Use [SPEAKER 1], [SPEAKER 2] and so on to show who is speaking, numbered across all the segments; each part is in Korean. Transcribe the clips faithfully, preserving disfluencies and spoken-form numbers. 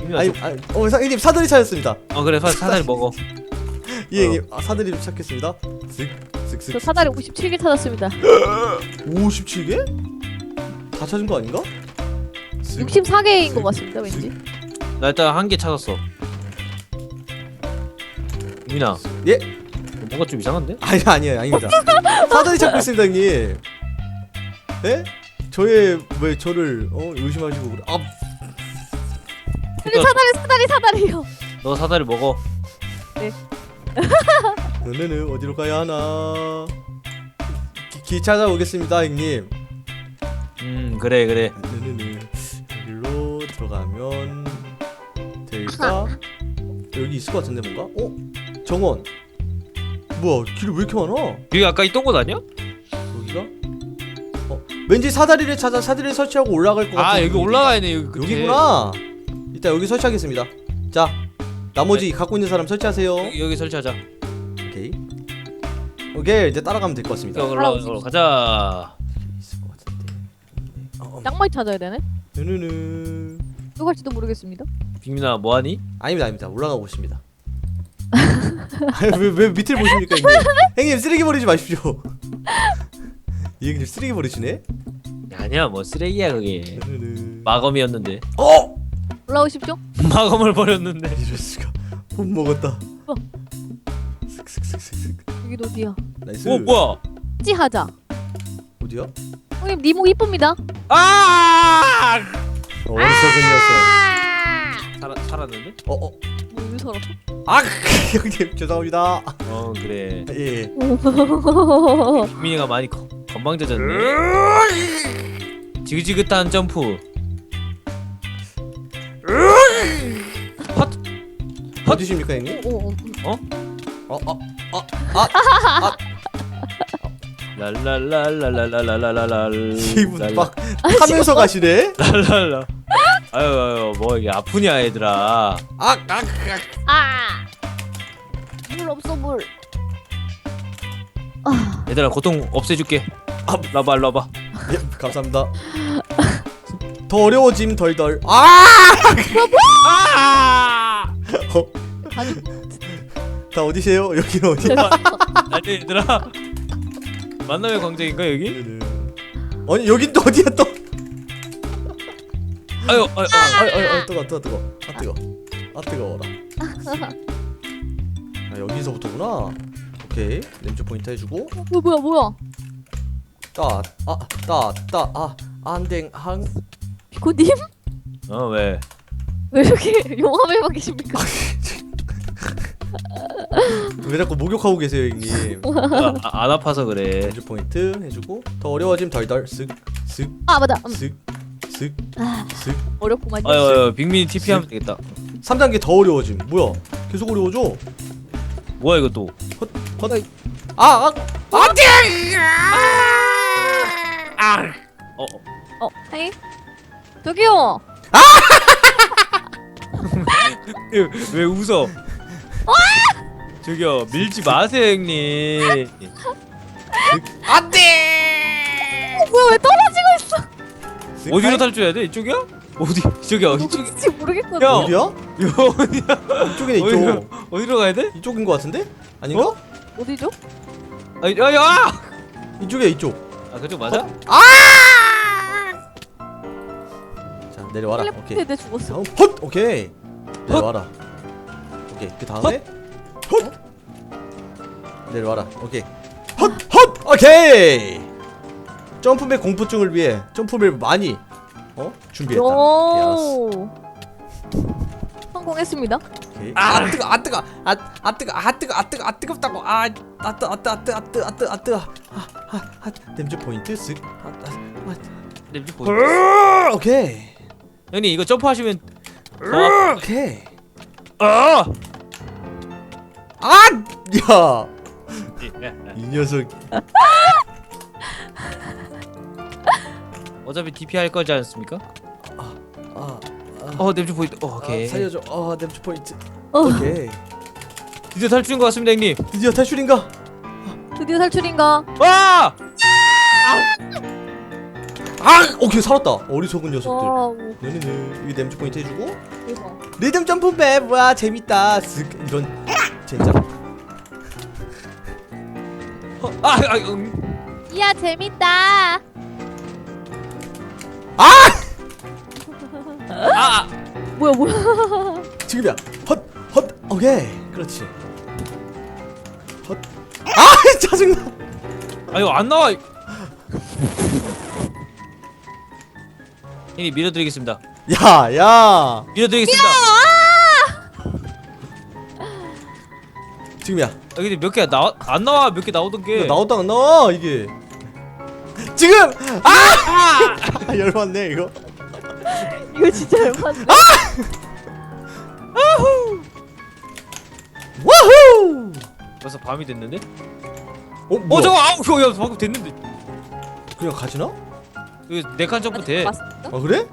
[SPEAKER 1] 아니, 아니, 어, 사, 형님 사다리 찾았습니다.
[SPEAKER 2] 어 그래 사다리 먹어.
[SPEAKER 1] 예, 형님. 아, 사다리 좀 찾겠습니다. 슥슥슥.
[SPEAKER 3] 저 사다리 오십칠 개 찾았습니다.
[SPEAKER 1] 오십칠 개? 다 찾은 거 아닌가?
[SPEAKER 3] 육십사 개인 것 같습니다, 왠지.
[SPEAKER 2] 나 일단 한 개 찾았어. 민아.
[SPEAKER 1] 예?
[SPEAKER 2] 뭔가 좀 이상한데?
[SPEAKER 1] 아니 아니에요, 아닙니다. 사다리 찾고 있습니다, 형님. 예? 저의 왜 저를 어 의심하시고 그래? 아,
[SPEAKER 3] 근데 사다리 사다리 사다리요.
[SPEAKER 2] 너 사다리 먹어.
[SPEAKER 1] 너네는 어디로 가야 하나? 기, 기 찾아오겠습니다, 형님.
[SPEAKER 2] 음 그래 그래.
[SPEAKER 1] 네네네. 여기로 들어가면 될까? 여기 있을 것 같은데 뭔가? 어? 정원. 뭐야? 길이 왜 이렇게 많아?
[SPEAKER 2] 여기 아까 있던 곳 아니야?
[SPEAKER 1] 여기가? 어? 왠지 사다리를 찾아 사다리를 설치하고 올라갈 것 같은.
[SPEAKER 2] 아 여기
[SPEAKER 1] 분위기다.
[SPEAKER 2] 올라가야 돼 여기 끝에.
[SPEAKER 1] 여기구나. 일단 여기 설치하겠습니다. 자, 나머지 갖고 있는 사람 설치하세요.
[SPEAKER 2] 여기, 여기 설치하자.
[SPEAKER 1] 오케이. 오케이, 이제 따라가면 될 것 같습니다.
[SPEAKER 2] 여기 올라 올라 가자.
[SPEAKER 1] 있을 것 같은데. 어, 어.
[SPEAKER 3] 짱 많이 찾아야 되네.
[SPEAKER 1] 누누누.
[SPEAKER 3] 또 갈지도 모르겠습니다.
[SPEAKER 2] 빅민아 뭐하니?
[SPEAKER 1] 아닙니다, 아닙니다. 올라가고 있습니다. 왜, 왜 밑을 보십니까, 형님? 형님 쓰레기 버리지 마십시오. 이 형님 쓰레기 버리시네?
[SPEAKER 2] 아니야 뭐 쓰레기야 그게.
[SPEAKER 1] 누누누.
[SPEAKER 2] 마검이었는데.
[SPEAKER 1] 어!
[SPEAKER 3] 올라오십시오.
[SPEAKER 2] 마검을 버렸는데.
[SPEAKER 1] 이럴 수가. 못 먹었다.
[SPEAKER 3] 어.
[SPEAKER 1] 슥슥슥슥슥.
[SPEAKER 3] 여기도 어디야?
[SPEAKER 1] 나이스.
[SPEAKER 2] 오 뭐야?
[SPEAKER 3] 찌하자.
[SPEAKER 1] 어디야?
[SPEAKER 3] 형님 니모 이쁩니다.
[SPEAKER 2] 아!
[SPEAKER 1] 어리석은 녀석.
[SPEAKER 2] 살아 살았는데?
[SPEAKER 1] 어, 어.
[SPEAKER 3] 뭐 서로.
[SPEAKER 1] 아, 형님 죄송합니다.
[SPEAKER 2] 어 그래.
[SPEAKER 1] 예.
[SPEAKER 2] 빅민이가 많이 거, 건방져졌네. 지긋지긋한 점프. 헛.
[SPEAKER 1] 어디십니까, 형님?
[SPEAKER 3] 오, 오,
[SPEAKER 2] 어?
[SPEAKER 1] 어, 어, 어, 아,
[SPEAKER 2] 랄랄랄랄랄랄랄랄랄.
[SPEAKER 1] 이분 막 타면서 가시네.
[SPEAKER 2] 랄랄라. 아유 아유 뭐 이게 아프냐 얘들아.
[SPEAKER 1] 아, 아, 아.
[SPEAKER 3] 아. 물 없어 물. 아.
[SPEAKER 2] 얘들아 고통 없애줄게. 아 라봐 라봐.
[SPEAKER 1] 예, 감사합니다. 더 어려워짐 덜덜. 아!
[SPEAKER 2] 아!
[SPEAKER 1] 어,
[SPEAKER 3] 아니
[SPEAKER 1] 다 어디세요? 여기는 어디야?
[SPEAKER 2] 아니 얘들아. 만남의 광장인가 여기?
[SPEAKER 1] 아니 여긴 또 어디야 또?
[SPEAKER 2] 아유 아유
[SPEAKER 1] 아유, 아유, 아유, 뜨거, 뜨거, 뜨거. 아 뜨거. 아 뜨거워라. 아, 여기서부터구나. 오케이. 렌즈 포인트 해주고.
[SPEAKER 3] 뭐 뭐야 뭐야?
[SPEAKER 1] 따, 아, 따, 따, 아, 안댕, 항.
[SPEAKER 3] 비코님?
[SPEAKER 2] 어 왜?
[SPEAKER 3] 왜 이렇게 용암에만 계십니까?
[SPEAKER 1] 왜 자꾸 목욕하고 계세요, 형님?
[SPEAKER 2] 아, 아, 안 아파서 그래.
[SPEAKER 1] 렌즈 포인트 해주고 더 어려워짐 덜덜. 쓱, 쓱,
[SPEAKER 3] 아 맞아. 음.
[SPEAKER 1] 쓱, 쓱,
[SPEAKER 3] 아,
[SPEAKER 1] 쓱.
[SPEAKER 3] 어렵구만요.
[SPEAKER 2] 아유 아유 빅민이 티피 하면 되겠다.
[SPEAKER 1] 삼 단계 더 어려워짐. 뭐야? 계속 어려워져.
[SPEAKER 2] 뭐야 이거 또?
[SPEAKER 1] 헛, 헛. 아, 아, 안돼!
[SPEAKER 2] 아! 어, 어.
[SPEAKER 3] 어, 아니 저기요.
[SPEAKER 2] 왜, 왜 웃어? 저기요 밀지 마세요 형님.
[SPEAKER 1] 안돼!
[SPEAKER 3] 뭐야 왜 떨어지고 있어?
[SPEAKER 2] 어디로 탈출해야 돼? 이쪽이야? 어디? 저기야 이쪽이.
[SPEAKER 3] 어딘지 모르겠거든.
[SPEAKER 2] 야.
[SPEAKER 1] 어디야?
[SPEAKER 2] 이거 어디야?
[SPEAKER 1] 이쪽이네, 이쪽.
[SPEAKER 2] 어디로, 어디로 가야 돼?
[SPEAKER 1] 이쪽인 것 같은데? 아닌가?
[SPEAKER 2] 어?
[SPEAKER 3] 어디죠?
[SPEAKER 2] 아, 야, 야!
[SPEAKER 1] 이쪽이야, 이쪽.
[SPEAKER 2] 아 그쪽 맞아?
[SPEAKER 1] 자, 내려와라. 오케이.
[SPEAKER 3] 텔레포트에 내 죽었어.
[SPEAKER 1] 다음 헛! 오케이. 내려와라. 오케이. 그 다음에 헛! 내려와라. 오케이. 헛! 헛! 오케이. 점프맵 공포증을 위해 점프맵 많이 어? 준비했다.
[SPEAKER 3] 오. 성공했습니다.
[SPEAKER 1] 오케이. 아 뜨거, 아 뜨거, 아, 아 뜨거, 아 뜨거, 아 뜨거, 아 뜨겁다고. 아, 아 뜨, 아 뜨, 아 뜨, 아 뜨, 아 뜨, 아 뜨. 아, 아, 아, 냄새 포인트 쓱. 아, 아,
[SPEAKER 2] 냄새 보여.
[SPEAKER 1] 아. 오케이.
[SPEAKER 2] 형님 이거 점프하시면 더
[SPEAKER 1] 오케이.
[SPEAKER 2] 아!
[SPEAKER 1] 아, 야, 이 녀석.
[SPEAKER 2] 어차피 디피 할 거지 않습니까?
[SPEAKER 1] 아, 아,
[SPEAKER 2] 어 냄새 보인다. 어, 오케이.
[SPEAKER 1] 아, 살려줘. 어, 냄새 포인트.
[SPEAKER 3] 어.
[SPEAKER 1] 오케이.
[SPEAKER 2] 드디어 탈출인 것 같습니다 형님.
[SPEAKER 1] 드디어 탈출인가?
[SPEAKER 3] 드디어 탈출인가?
[SPEAKER 2] 와!
[SPEAKER 1] 아! 오케이 살았다. 어리석은 녀석들.
[SPEAKER 3] 와우.
[SPEAKER 1] 네네네. 여기 냄새 포인트 해주고
[SPEAKER 3] 대박.
[SPEAKER 1] 리듬 점프 맵. 와 재밌다. 쓱 이런 진짜.
[SPEAKER 2] 어, 아, 아, 음.
[SPEAKER 3] 이야 재밌다.
[SPEAKER 1] 아!
[SPEAKER 2] 아,
[SPEAKER 3] 뭐야 뭐야.
[SPEAKER 1] 지금이야. 헛 헛. 오케이. 그렇지. 헛. 아 짜증나.
[SPEAKER 2] 아 이거 안 나와. 형님 밀어드리겠습니다.
[SPEAKER 1] 야 야.
[SPEAKER 2] 밀어드리겠습니다.
[SPEAKER 1] 지금이야.
[SPEAKER 2] 아 근데 몇 개 나와 안 나와 몇 개 나오던 게.
[SPEAKER 1] 나왔다 안 나와 이게. 지금. 아! 아 열받네 이거.
[SPEAKER 3] 이거 진짜 열받네.
[SPEAKER 1] 와후.
[SPEAKER 2] 벌써 밤이 됐는데?
[SPEAKER 1] 어
[SPEAKER 2] 어
[SPEAKER 1] 뭐야?
[SPEAKER 2] 저거 아우 그거 야 방금 됐는데.
[SPEAKER 1] 그냥 가지나?
[SPEAKER 2] 이거 네칸 점프 돼.
[SPEAKER 3] 맞습니까?
[SPEAKER 1] 아 그래?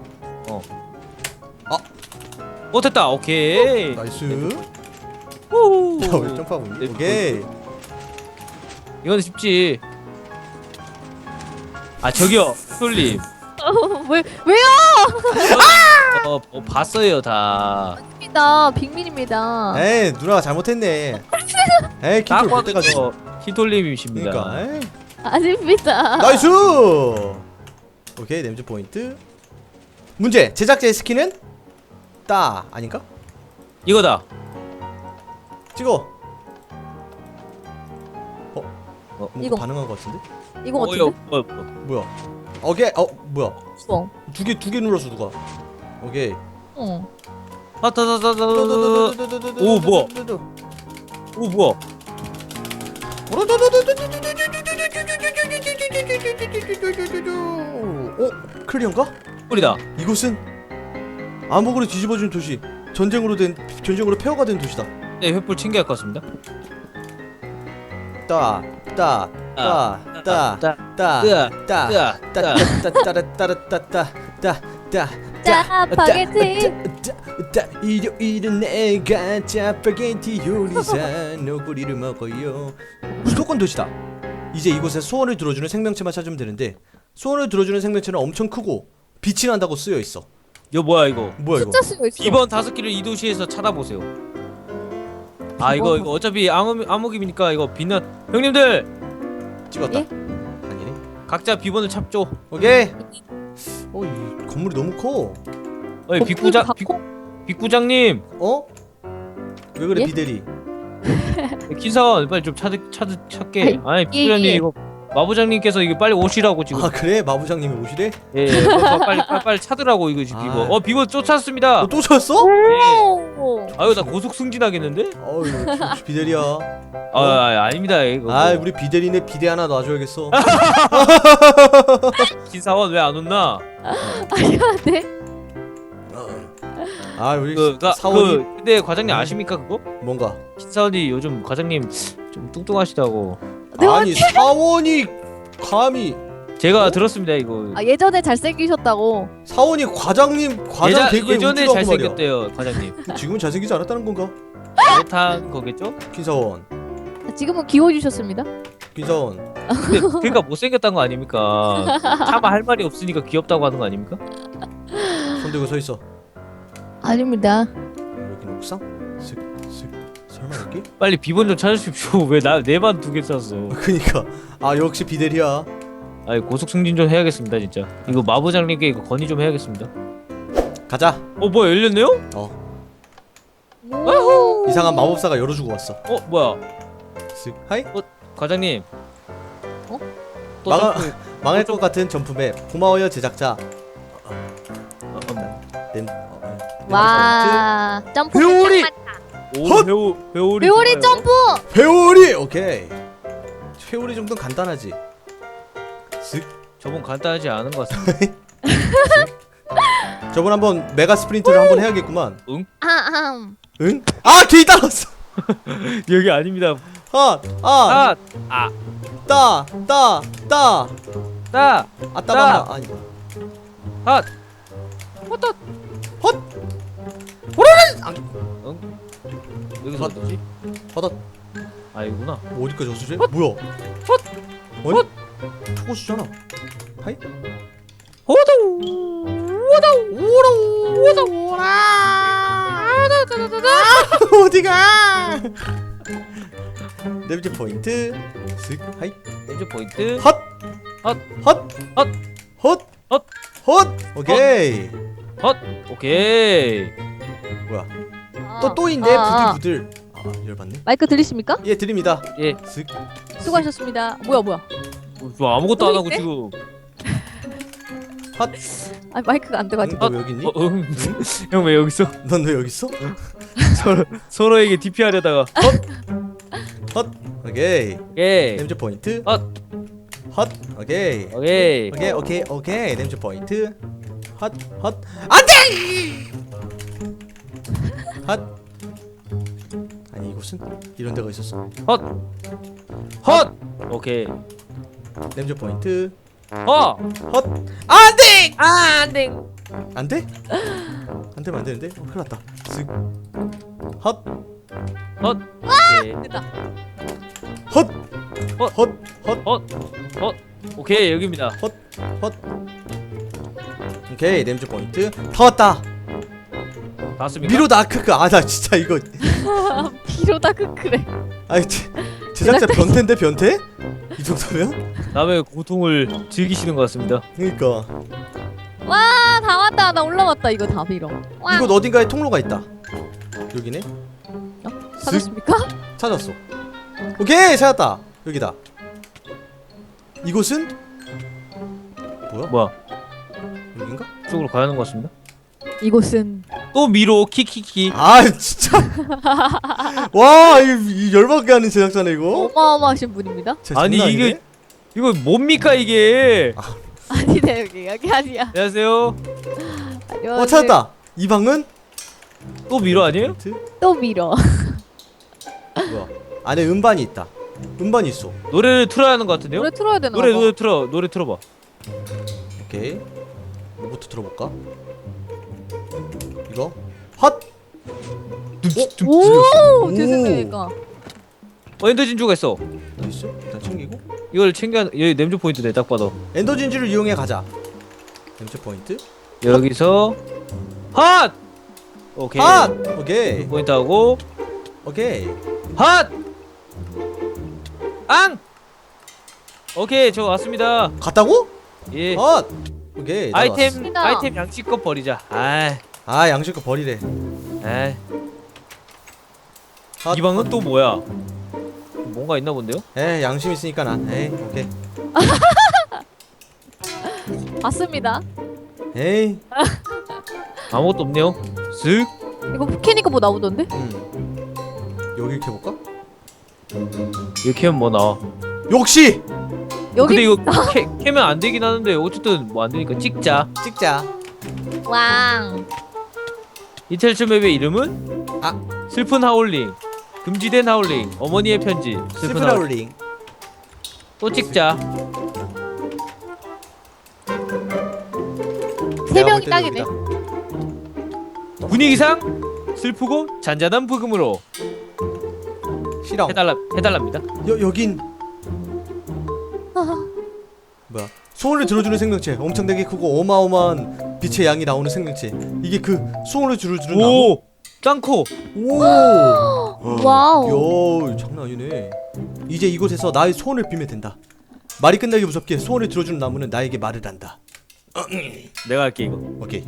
[SPEAKER 2] 어 됐다. 오케이.
[SPEAKER 1] 나이스.
[SPEAKER 2] 오.
[SPEAKER 1] 야왜 점프하고 있니?
[SPEAKER 2] 네,
[SPEAKER 1] 오케이.
[SPEAKER 2] 이건 쉽지. 아 저기요 솔님.
[SPEAKER 3] 어, 왜 왜요?
[SPEAKER 2] 어, 어 봤어요 다.
[SPEAKER 3] 입니다. 빅민입니다.
[SPEAKER 1] 에이 누나가 잘못했네. 에이
[SPEAKER 2] 딱
[SPEAKER 1] 킥을 못
[SPEAKER 2] 봐도
[SPEAKER 1] 해가지고.
[SPEAKER 2] 저 히톨님이십니다.
[SPEAKER 1] 그러니까. 에이.
[SPEAKER 3] 아닙니다.
[SPEAKER 1] 나이스. 오케이 냄새 포인트. 문제 제작자의 스킨은 따 아닌가?
[SPEAKER 2] 이거다.
[SPEAKER 1] 찍어. 어?
[SPEAKER 2] 어?
[SPEAKER 1] 뭔가
[SPEAKER 3] 이거.
[SPEAKER 1] 반응한 것 같은데?
[SPEAKER 3] 이거
[SPEAKER 2] 어,
[SPEAKER 3] 같은데?
[SPEAKER 2] 이거 뭐, 뭐.
[SPEAKER 1] 뭐야? 오케이. 어 뭐야?
[SPEAKER 3] 어.
[SPEAKER 1] 두 개 두 개 눌렀어 누가? 오케이.
[SPEAKER 3] 어.
[SPEAKER 2] 아, 다, 다, 다, 다, 다, 다. 오, 뭐야? 오 뭐야?
[SPEAKER 1] 어? 클리어인가?
[SPEAKER 2] 꿀이다.
[SPEAKER 1] 이곳은 암흑으로 뒤집어진 도시. 전쟁으로 된 전쟁으로 폐허가 된 도시다.
[SPEAKER 2] 네, 횃불 챙겨야 할 것 같습니다.
[SPEAKER 1] 따, 따, 따, 따,
[SPEAKER 2] 따,
[SPEAKER 1] 따,
[SPEAKER 2] 뜨아,
[SPEAKER 1] 따,
[SPEAKER 2] 뜨아,
[SPEAKER 1] 따,
[SPEAKER 2] 뜨아.
[SPEAKER 1] 따, 따, 따, 따, 따, 따, 따,
[SPEAKER 3] 짜파게티.
[SPEAKER 1] 따, 일요일은 내가 짜파게티 요리사 너구리를 먹어요. 수도권 도시다. 이제 이곳에 소원을 들어주는 생명체만 찾으면 되는데 소원을 들어주는 생명체는 엄청 크고 빛이 난다고 쓰여 있어.
[SPEAKER 2] 이거 뭐야 이거?
[SPEAKER 1] 뭐야 이거?
[SPEAKER 3] 숫자 쓰여 있어.
[SPEAKER 2] 이번 다섯 개를 이 도시에서 찾아보세요. 아 이거 이거 어차피 암흑 암흑임이니까 이거 빛나. 형님들
[SPEAKER 1] 찍었다.
[SPEAKER 3] 예?
[SPEAKER 1] 아니네.
[SPEAKER 2] 각자 비번을 찾죠.
[SPEAKER 1] 오케이. 어, 이 건물이 너무 커.
[SPEAKER 2] 어이 빅부장
[SPEAKER 3] 갖고?
[SPEAKER 2] 빅 빅부장님
[SPEAKER 1] 어? 왜 그래
[SPEAKER 3] 예?
[SPEAKER 1] 비대리?
[SPEAKER 2] kin사원 빨리 좀 찾 찾 찾게. 아니
[SPEAKER 3] 예,
[SPEAKER 2] 빅부장님
[SPEAKER 3] 예.
[SPEAKER 2] 이거 마부장님께서 이거 빨리 오시라고 지금.
[SPEAKER 1] 아 그래? 마부장님이 오시래?
[SPEAKER 2] 예, 예. 빨리, 빨리 빨리 빨리 찾으라고 이거 지금
[SPEAKER 1] 아.
[SPEAKER 2] 비번. 어 비번 쫓았습니다.
[SPEAKER 1] 어, 또 찾았어?
[SPEAKER 3] 오.
[SPEAKER 2] 아유 나 고속 승진하겠는데?
[SPEAKER 1] 어우 역시 비대리야.
[SPEAKER 2] 아, 아 아닙니다 이거.
[SPEAKER 1] 아 우리 비대리네 비대 하나 놔줘야겠어.
[SPEAKER 2] kin사원 왜 안 온나?
[SPEAKER 3] 아니한데?
[SPEAKER 1] 아 우리
[SPEAKER 2] 그가
[SPEAKER 1] 사원이
[SPEAKER 2] 그 근데 과장님 아십니까 그거?
[SPEAKER 1] 뭔가?
[SPEAKER 2] kin사원이 요즘 과장님 좀 뚱뚱하시다고
[SPEAKER 1] 아니 사원이 감히
[SPEAKER 2] 제가 들었습니다 이거.
[SPEAKER 3] 아 예전에 잘생기셨다고.
[SPEAKER 1] 사원이 과장님 과장
[SPEAKER 2] 예자,
[SPEAKER 1] 개그에
[SPEAKER 2] 예전에
[SPEAKER 1] 웃기라고 말이야.
[SPEAKER 2] 잘생겼대요 과장님.
[SPEAKER 1] 지금은 잘생기지 않았다는 건가?
[SPEAKER 2] 그렇다는 거겠죠?
[SPEAKER 1] 김사원,
[SPEAKER 3] 지금은 귀여워지셨습니다.
[SPEAKER 1] 김사원.
[SPEAKER 2] 근데 그러니까 못생겼다는 거 아닙니까? 차마 할 말이 없으니까 귀엽다고 하는 거 아닙니까?
[SPEAKER 1] 손 들고 서 있어.
[SPEAKER 3] 아닙니다.
[SPEAKER 1] 여기는 옥상? 슥슥 설마 여기?
[SPEAKER 2] 빨리 비번 좀 찾으십시오. 왜 나 내 반 두 개 샀어?
[SPEAKER 1] 그니까 아 역시 비대리야.
[SPEAKER 2] 아니 고속 승진 좀 해야겠습니다 진짜. 이거 마부장님께 이거 건의 좀 해야겠습니다.
[SPEAKER 1] 가자.
[SPEAKER 2] 어 뭐야 열렸네요?
[SPEAKER 3] 오.
[SPEAKER 1] 이상한 마법사가 열어주고 왔어.
[SPEAKER 2] 어 뭐야
[SPEAKER 1] 슥 하이.
[SPEAKER 2] 과장님?
[SPEAKER 3] 어?
[SPEAKER 2] 또
[SPEAKER 1] 망하-
[SPEAKER 2] 점프.
[SPEAKER 1] 망할 것 같은 점프맵. 고마워요 제작자.
[SPEAKER 2] 어, 어.
[SPEAKER 1] 냄. 어, 어,
[SPEAKER 3] 와. 점프.
[SPEAKER 2] 회오리! 오
[SPEAKER 1] 헛!
[SPEAKER 2] 회오 회오리.
[SPEAKER 3] 회오리
[SPEAKER 2] 좋아요.
[SPEAKER 3] 점프.
[SPEAKER 1] 회오리. 오케이. 회오리 정도는 간단하지. 슥.
[SPEAKER 2] 저번 간단하지 않은 것 같습니다.
[SPEAKER 1] 저번 한번 메가 스프린트를 한번 해야겠구만.
[SPEAKER 3] 아, 아.
[SPEAKER 1] 응? 아 뒤 따랐어.
[SPEAKER 2] 여기 아닙니다.
[SPEAKER 1] 아, 아,
[SPEAKER 2] 아, 아,
[SPEAKER 1] 따, 따, 따,
[SPEAKER 2] 따,
[SPEAKER 1] 아따마마 아니.
[SPEAKER 2] 아,
[SPEAKER 1] 헛, 헛, 호라라.
[SPEAKER 2] 응? 여기서
[SPEAKER 1] 헛.
[SPEAKER 2] 어디지?
[SPEAKER 1] 헛,
[SPEAKER 2] 아 이구나.
[SPEAKER 1] 어디까지 어수지? 뭐야?
[SPEAKER 2] 헛,
[SPEAKER 1] 아니?
[SPEAKER 2] 헛.
[SPEAKER 1] 초고수잖아. 하이?
[SPEAKER 2] 호도 호도 오로 호도 오라
[SPEAKER 1] 어디가? 냄새 포인트. 슥 하이.
[SPEAKER 2] 렌즈 포인트.
[SPEAKER 1] 헛.
[SPEAKER 2] 헛.
[SPEAKER 1] 헛.
[SPEAKER 2] 헛.
[SPEAKER 1] 헛.
[SPEAKER 2] 헛.
[SPEAKER 1] 헛. 오케이.
[SPEAKER 2] 헛. 오케이.
[SPEAKER 1] 뭐야?
[SPEAKER 3] 아,
[SPEAKER 1] 또 또 있네.
[SPEAKER 3] 아, 아.
[SPEAKER 1] 부들 부들. 아 열받네.
[SPEAKER 3] 마이크 들리십니까?
[SPEAKER 1] 예 드립니다.
[SPEAKER 2] 예.
[SPEAKER 1] 슥.
[SPEAKER 3] 수고하셨습니다. 뭐야 뭐야?
[SPEAKER 2] 어, 저 아무것도 안 하고
[SPEAKER 3] 있네?
[SPEAKER 2] 지금.
[SPEAKER 1] 헛.
[SPEAKER 3] 아 마이크가 안 돼가지고.
[SPEAKER 1] 너 여기 있니?
[SPEAKER 2] 어, 응. 형 왜 여기 있어?
[SPEAKER 1] 넌 왜 여기 있어?
[SPEAKER 2] 서로 서로에게 디피 하려다가.
[SPEAKER 1] 헛. 오케이.
[SPEAKER 2] 오케이.
[SPEAKER 1] 냄새 포인트.
[SPEAKER 2] 헛.
[SPEAKER 1] 헛. 오케이.
[SPEAKER 2] 오케이.
[SPEAKER 1] 오케이 오케이 오케이 냄새 포인트. 헛. 헛. 안돼. 헛. 아니 이곳은 이런 데가 있었어.
[SPEAKER 2] 헛. 헛. 오케이.
[SPEAKER 1] 냄새 포인트.
[SPEAKER 2] 어.
[SPEAKER 1] 헛. 안돼.
[SPEAKER 2] 아, 안 돼.
[SPEAKER 1] 안 돼? 안 되면 안 되는데. 어, 큰일 났다. 슥. 헛.
[SPEAKER 2] 헛. 오케이.
[SPEAKER 3] 됐다.
[SPEAKER 1] 헛.
[SPEAKER 2] 헛.
[SPEAKER 1] 헛. 헛.
[SPEAKER 2] 헛. 헛. 오케이, 여기입니다.
[SPEAKER 1] 헛. 헛. 오케이 냄새 포인트. 다 왔다.
[SPEAKER 2] 봤습니까?
[SPEAKER 1] 미로다 크크. 아 나 진짜 이거.
[SPEAKER 3] 비로다 크크래.
[SPEAKER 1] 아니 제, 제작자 변태인데 변태? 이 정도면?
[SPEAKER 2] 남의 고통을 즐기시는 것 같습니다.
[SPEAKER 1] 그러니까
[SPEAKER 3] 와, 다 왔다. 나 올라왔다. 이거 다 빌어. 와.
[SPEAKER 1] 이곳 어딘가에 통로가 있다. 여기네.
[SPEAKER 3] 찾았습니까?
[SPEAKER 1] 찾았어. 오케이 찾았다. 여기다. 이곳은 뭐야?
[SPEAKER 2] 뭐야?
[SPEAKER 1] 여긴가?
[SPEAKER 2] 쪽으로 가야 하는 것 같습니다.
[SPEAKER 3] 이곳은
[SPEAKER 2] 또 미로 키키키.
[SPEAKER 1] 아 진짜. 와 이, 이 열받게 하는 제작자네 이거.
[SPEAKER 3] 어마어마하신 분입니다.
[SPEAKER 1] 진짜
[SPEAKER 2] 아니,
[SPEAKER 1] 장난 아니네?
[SPEAKER 2] 이게- 이거 뭡니까 이게?
[SPEAKER 3] 아니네 여기 여기 아니야.
[SPEAKER 2] 안녕하세요.
[SPEAKER 3] 안녕하세요.
[SPEAKER 1] 어 찾았다. 이 방은
[SPEAKER 2] 또 미로 아니에요?
[SPEAKER 3] 또 밀어.
[SPEAKER 1] 뭐야? 안에 음반이 있다. 음반이 있어.
[SPEAKER 2] 노래를 틀어야 하는 것 같은데요?
[SPEAKER 3] 노래 틀어야 되나?
[SPEAKER 2] 노래
[SPEAKER 3] 봐.
[SPEAKER 2] 노래 틀어 노래 틀어봐.
[SPEAKER 1] 오케이. 뭐부터 들어볼까? 이거 헛.
[SPEAKER 3] 오,
[SPEAKER 1] 오.
[SPEAKER 3] 죄송해니까.
[SPEAKER 2] 어, 엔더 진주가 있어.
[SPEAKER 1] 어디 있어? 일단 챙기고.
[SPEAKER 2] 이걸 챙겨. 여기 냄새 포인트네 딱 봐도.
[SPEAKER 1] 엔더 진주를 이용해 가자. 냄새 포인트.
[SPEAKER 2] 여기서 핫. 오케이.
[SPEAKER 1] 핫. 오케이.
[SPEAKER 2] 포인트 하고
[SPEAKER 1] 오케이.
[SPEAKER 2] 핫. 앙. 오케이 저 왔습니다.
[SPEAKER 1] 갔다고?
[SPEAKER 2] 예.
[SPEAKER 1] 헛. 오케이.
[SPEAKER 2] 아이템
[SPEAKER 3] 왔습니다.
[SPEAKER 2] 아이템 양치껏 버리자. 아.
[SPEAKER 1] 아 양식거 버리래.
[SPEAKER 2] 아.
[SPEAKER 1] 헛.
[SPEAKER 2] 이 방은 또 뭐야? 뭔가 있나 본데요?
[SPEAKER 1] 에 양심 있으니까 난. 에이 오케이.
[SPEAKER 3] 봤습니다.
[SPEAKER 1] 에이.
[SPEAKER 2] 아무것도 없네요. 쓱.
[SPEAKER 3] 이거 캐니까 뭐 나오던데?
[SPEAKER 1] 음. 여기 이렇게 볼까?
[SPEAKER 2] 이렇게 하면 뭐 나와?
[SPEAKER 1] 역시
[SPEAKER 3] 여기
[SPEAKER 2] 근데 이거 캐, 캐면 안 되긴 하는데 어쨌든 뭐 안 되니까 찍자.
[SPEAKER 1] 찍자.
[SPEAKER 3] 왕.
[SPEAKER 2] 이텔츠 맵의 이름은
[SPEAKER 1] 아
[SPEAKER 2] 슬픈 하울링, 금지된 하울링, 어머니의 편지, 슬픈,
[SPEAKER 1] 슬픈
[SPEAKER 2] 하울링.
[SPEAKER 1] 하울링.
[SPEAKER 2] 또 찍자.
[SPEAKER 3] 세
[SPEAKER 1] 내가
[SPEAKER 3] 명이
[SPEAKER 1] 볼 때도
[SPEAKER 3] 딱이네.
[SPEAKER 1] 여기다.
[SPEAKER 2] 분위기상 슬프고 잔잔한 부금으로
[SPEAKER 1] 싫어.
[SPEAKER 2] 해달라 해달랍니다.
[SPEAKER 1] 여 여긴
[SPEAKER 3] 아,
[SPEAKER 1] 뭐야? 소원을 들어주는 생명체. 엄청나게 크고 어마어마한 빛의 양이 나오는 생명체. 이게 그 소원을 들어주는 나무.
[SPEAKER 2] 오, 짱코.
[SPEAKER 1] 오.
[SPEAKER 3] 와우.
[SPEAKER 1] 야, 장난 아니네. 이제 이곳에서 나의 소원을 빌면 된다. 말이 끝나기 무섭게 소원을 들어주는 나무는 나에게 말을 한다.
[SPEAKER 2] 내가 할게 이거.
[SPEAKER 1] 오케이.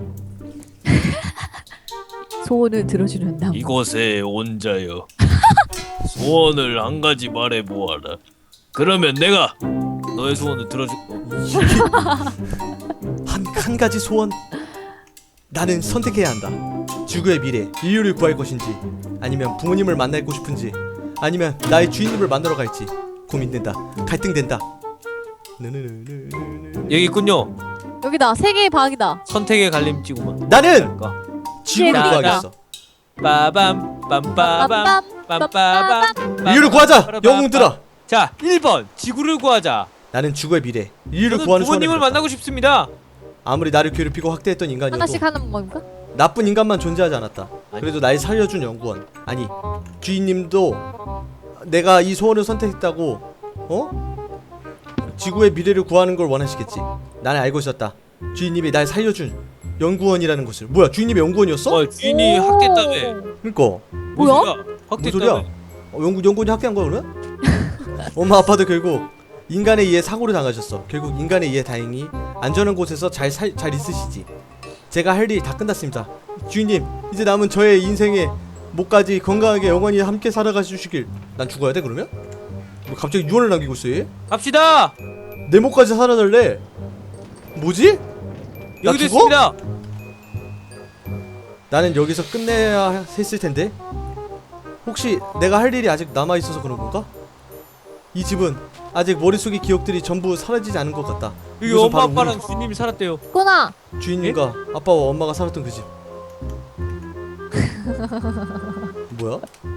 [SPEAKER 3] 소원을 들어주는 나무.
[SPEAKER 2] 이곳에 온 자여, 소원을 한 가지 말해 보아라. 그러면 내가 너의 소원을 들어줄.
[SPEAKER 1] 한, 한 가지 소원. 나는 선택해야 한다. 지구의 미래, 인류를 구할 것인지, 아니면 부모님을 만나고 싶은지, 아니면 나의 주인님을 만나러 갈지 고민된다. 갈등된다. 느느느느느느.
[SPEAKER 2] 여기 있군요.
[SPEAKER 3] 여기다 세 개의 방이다.
[SPEAKER 2] 선택의 갈림지구만.
[SPEAKER 1] 나는
[SPEAKER 2] 그러니까.
[SPEAKER 1] 지구를
[SPEAKER 3] 재밌다.
[SPEAKER 1] 구하겠어.
[SPEAKER 2] 빠밤 빰빠밤 빰빠밤.
[SPEAKER 1] 인류를 구하자. 영웅들아.
[SPEAKER 2] 자, 일 번 지구를 구하자.
[SPEAKER 1] 나는 지구의 미래, 인류를
[SPEAKER 2] 저는
[SPEAKER 1] 구하는 소원을
[SPEAKER 2] 부모님을
[SPEAKER 1] 빌었다.
[SPEAKER 2] 만나고 싶습니다.
[SPEAKER 1] 아무리 나를 괴롭히고 학대했던 인간이어도
[SPEAKER 3] 하나씩 하는 겁니까?
[SPEAKER 1] 나쁜 인간만 존재하지 않았다.
[SPEAKER 2] 아니.
[SPEAKER 1] 그래도 날 살려준 연구원, 아니 주인님도 내가 이 소원을 선택했다고 어? 지구의 미래를 구하는 걸 원하시겠지. 나는 알고 있었다. 주인님이 날 살려준 연구원이라는 것을. 뭐야, 주인님이 연구원이었어?
[SPEAKER 2] 어 주인이
[SPEAKER 3] 오.
[SPEAKER 2] 학대했다며.
[SPEAKER 1] 그러니까
[SPEAKER 3] 뭐야?
[SPEAKER 1] 뭔 소리야?
[SPEAKER 2] 학대했다며.
[SPEAKER 1] 어, 연구 연구원이 학대한 거야 그러면? 엄마 아빠도 결국 인간에 의해 사고를 당하셨어. 결국 인간에 의해 다행히 안전한 곳에서 잘 살 잘 있으시지. 제가 할 일 다 끝났습니다. 주인님, 이제 남은 저의 인생의 목까지 건강하게 영원히 함께 살아가 주시길. 난 죽어야 돼 그러면? 뭐 갑자기 유언을 남기고 있어 얘?
[SPEAKER 2] 갑시다.
[SPEAKER 1] 내 목까지 살아달래. 뭐지? 나
[SPEAKER 2] 여기
[SPEAKER 1] 죽어?
[SPEAKER 2] 됐습니다.
[SPEAKER 1] 나는 여기서 끝내야 했을 텐데. 혹시 내가 할 일이 아직 남아 있어서 그런 건가? 이 집은 아직 머릿속의 기억들이 전부 사라지지 않은 것 같다.
[SPEAKER 2] 여기
[SPEAKER 1] 이곳은
[SPEAKER 2] 엄마
[SPEAKER 1] 바로
[SPEAKER 2] 아빠랑 주인님이 살았대요.
[SPEAKER 3] 꾸나.
[SPEAKER 1] 우리 주인님과 아빠와 엄마가 살았던 그 집. 뭐야?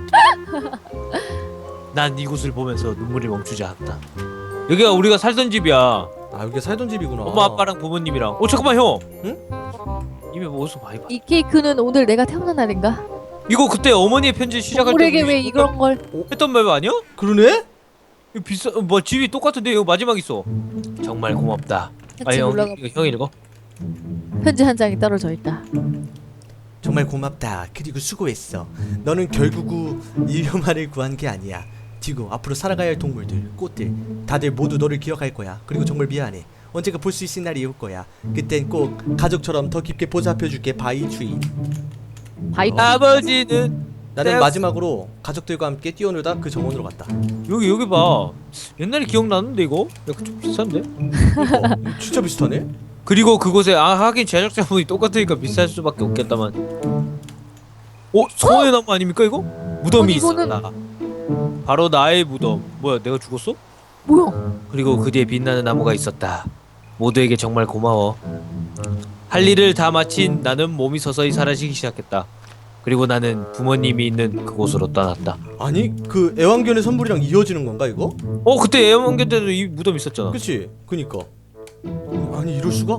[SPEAKER 2] 난 이곳을 보면서 눈물이 멈추지 않았다. 여기가 우리가 살던 집이야.
[SPEAKER 1] 아, 여기 살던 집이구나.
[SPEAKER 2] 엄마 아빠랑 부모님이랑. 어 잠깐만 형.
[SPEAKER 1] 응?
[SPEAKER 2] 이미 뭐 어디서 많이 봤.
[SPEAKER 3] 이 케이크는 오늘 내가 태어난 날인가?
[SPEAKER 2] 이거 그때 어머니의 편지 시작할 때
[SPEAKER 3] 우리에게
[SPEAKER 2] 우리
[SPEAKER 3] 왜 이런 걸?
[SPEAKER 2] 했던 말 아니야?
[SPEAKER 1] 그러네?
[SPEAKER 2] 이거 비싸 뭐 집이 똑같은데 이거 마지막 있어. 정말 고맙다.
[SPEAKER 3] 같이
[SPEAKER 2] 형
[SPEAKER 3] 올라가.
[SPEAKER 2] 이거 형 읽어.
[SPEAKER 3] 편지 한 장이 떨어져 있다.
[SPEAKER 1] 정말 고맙다. 그리고 수고했어. 너는 결국은 일료만을 구한 게 아니야. 지구 앞으로 살아가야 할 동물들, 꽃들 다들 모두 너를 기억할 거야. 그리고 정말 미안해. 언젠가 볼 수 있을 날이 올 거야. 그땐 꼭 가족처럼 더 깊게 보살펴줄게. 바이 주인.
[SPEAKER 3] 바이.
[SPEAKER 1] 어.
[SPEAKER 2] 아버지는
[SPEAKER 1] 나는
[SPEAKER 2] 떼었어.
[SPEAKER 1] 마지막으로 가족들과 함께 뛰어놀다 그 정원으로 갔다.
[SPEAKER 2] 여기 여기 봐. 옛날에 기억나는데 이거? 약간 좀 비싼데?
[SPEAKER 1] 어, 진짜 비슷하네?
[SPEAKER 2] 그리고 그곳에 아 하긴 제작자분이 똑같으니까 비쌀 수밖에 없겠다만. 어? 소원의 나무 아닙니까 이거? 무덤이
[SPEAKER 3] 아니, 이거는-
[SPEAKER 2] 있었다. 바로 나의 무덤. 뭐야 내가 죽었어?
[SPEAKER 3] 뭐야?
[SPEAKER 2] 그리고 그 뒤에 빛나는 나무가 있었다. 모두에게 정말 고마워. 할 일을 다 마친 나는 몸이 서서히 사라지기 시작했다. 그리고 나는 부모님이 있는 그곳으로 떠났다.
[SPEAKER 1] 아니 그 애완견의 선물이랑 이어지는 건가 이거?
[SPEAKER 2] 어 그때 애완견 때도 이 무덤 있었잖아.
[SPEAKER 1] 그치? 그니까 아니 이럴 수가?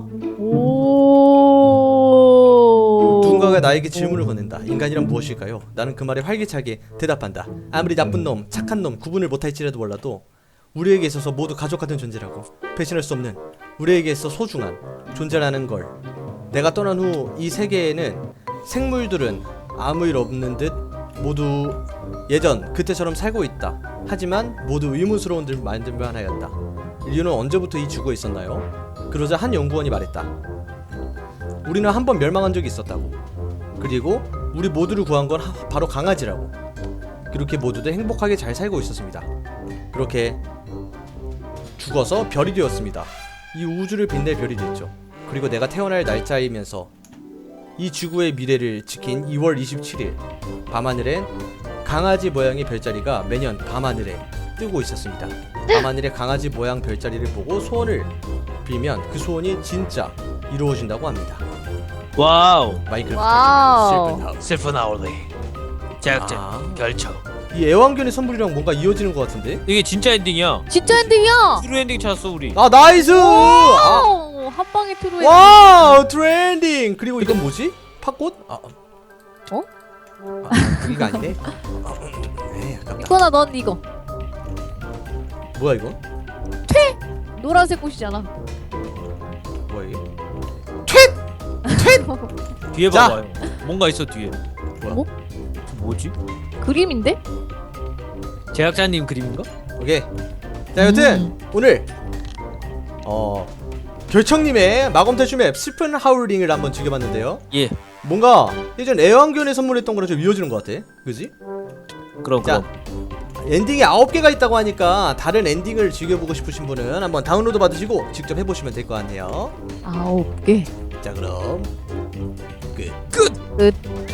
[SPEAKER 3] 오.
[SPEAKER 1] 누군가가 나에게 질문을 건넨다. 인간이란 무엇일까요? 나는 그 말에 활기차게 대답한다. 아무리 나쁜 놈, 착한 놈 구분을 못할지라도 몰라도 우리에게 있어서 모두 가족 같은 존재라고. 배신할 수 없는, 우리에게 있어 소중한 존재라는 걸. 내가 떠난 후 이 세계에는 생물들은 아무 일 없는 듯 모두 예전 그때처럼 살고 있다. 하지만 모두 의문스러운 들 말들만 하였다. 인류는 언제부터 이 지구에 있었나요? 그러자 한 연구원이 말했다. 우리는 한 번 멸망한 적이 있었다고. 그리고 우리 모두를 구한 건 하, 바로 강아지라고. 그렇게 모두들 행복하게 잘 살고 있었습니다. 그렇게 죽어서 별이 되었습니다. 이 우주를 빛낼 별이 됐죠. 그리고 내가 태어날 날짜이면서 이 지구의 미래를 지킨 이월 이십칠일 밤하늘엔 강아지 모양의 별자리가 매년 밤하늘에 뜨고 있었습니다. 밤하늘의 강아지 모양 별자리를 보고 소원을 빌면 그 소원이 진짜 이루어진다고 합니다.
[SPEAKER 2] 와우.
[SPEAKER 1] 마이크래프트
[SPEAKER 3] 와우.
[SPEAKER 1] 슬픈 하우스.
[SPEAKER 2] 슬픈 아울리. 제작자
[SPEAKER 1] 아.
[SPEAKER 2] 결정.
[SPEAKER 1] 이 애완견의 선물이랑 뭔가 이어지는 것 같은데?
[SPEAKER 2] 이게 진짜 엔딩이야.
[SPEAKER 3] 진짜 엔딩이야.
[SPEAKER 2] 트루 엔딩 찾았어 우리.
[SPEAKER 1] 아 나이스! 아,
[SPEAKER 3] 오, 한 방에 트루에.
[SPEAKER 1] 와우 트렌딩! 그리고 이건 뭐지? 팥꽃? 아,
[SPEAKER 3] 어?
[SPEAKER 1] 아, 이거 아니네? 에이 아깝다.
[SPEAKER 3] 꾸나 넌 이거.
[SPEAKER 1] 뭐야 이거?
[SPEAKER 3] 노란색 꽃이잖아.
[SPEAKER 1] 뭐야 이게?
[SPEAKER 2] 뒤에
[SPEAKER 1] 자.
[SPEAKER 2] 봐봐요. 뭔가 있어 뒤에.
[SPEAKER 1] 뭐야?
[SPEAKER 3] 뭐?
[SPEAKER 2] 뭐지?
[SPEAKER 3] 그림인데?
[SPEAKER 2] 제작자님 그림인가?
[SPEAKER 1] 오케이. 자 여튼
[SPEAKER 3] 음.
[SPEAKER 1] 오늘 어 결청님의 마검탈출 맵 슬픈 하울링을 한번 즐겨봤는데요.
[SPEAKER 2] 예.
[SPEAKER 1] 뭔가 예전 애완견에 선물했던 거랑 좀 이어지는 것 같아. 그지?
[SPEAKER 2] 그럼
[SPEAKER 1] 자
[SPEAKER 2] 그럼.
[SPEAKER 1] 엔딩이 아홉 개가 있다고 하니까 다른 엔딩을 즐겨보고 싶으신 분은 한번 다운로드 받으시고 직접 해보시면 될 것 같네요.
[SPEAKER 3] 아홉 개.
[SPEAKER 1] 자 그럼 끝.
[SPEAKER 3] 끝.